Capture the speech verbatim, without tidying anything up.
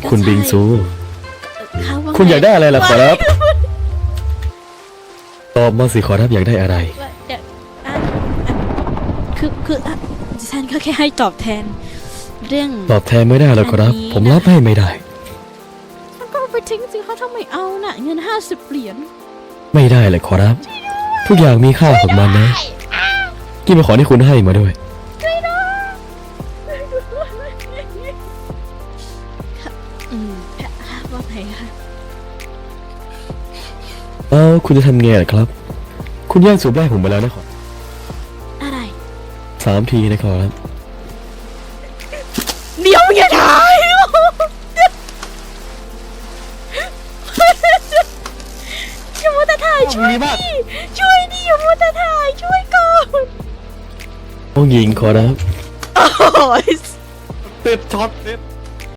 คุณบิงซูเขาว่คุณอยากได้อะไรล่ะขอรับตอบมาสิขอรับอยากได้อะไรว่าเดี๋ยวอ่ะอ่ะคือคืออ่ะดิฉันก็แค่ให้ตอบแทน เรื่องตอบแทนไม่ได้แล้วขอรับ ผมรับให้ไม่ได้มันก็เอาไปทิ้งสิคะทำไมเอาน่ะ เงินห้าสิบเหรียญไม่ได้เลยขอรับ ทุกอย่างมีค่าของมันนะกินเป็นของที่คุณให้มาด้วยอืมว่าไงคะเอ้าคุณจะทำไงล่ะครับ คุณแย่งสูบแรกผมไปแล้วนะขออะไรสามทีนะขอรับเดี๋ยวอย่าถ่ายอย่ามัวแต่ถ่ายช่วยดิช่วยดิอย่ามัวแต่ถ่ายช่วยก่อนต้องยิงขอรับโอ้ยเต็ดช็อตเต็ด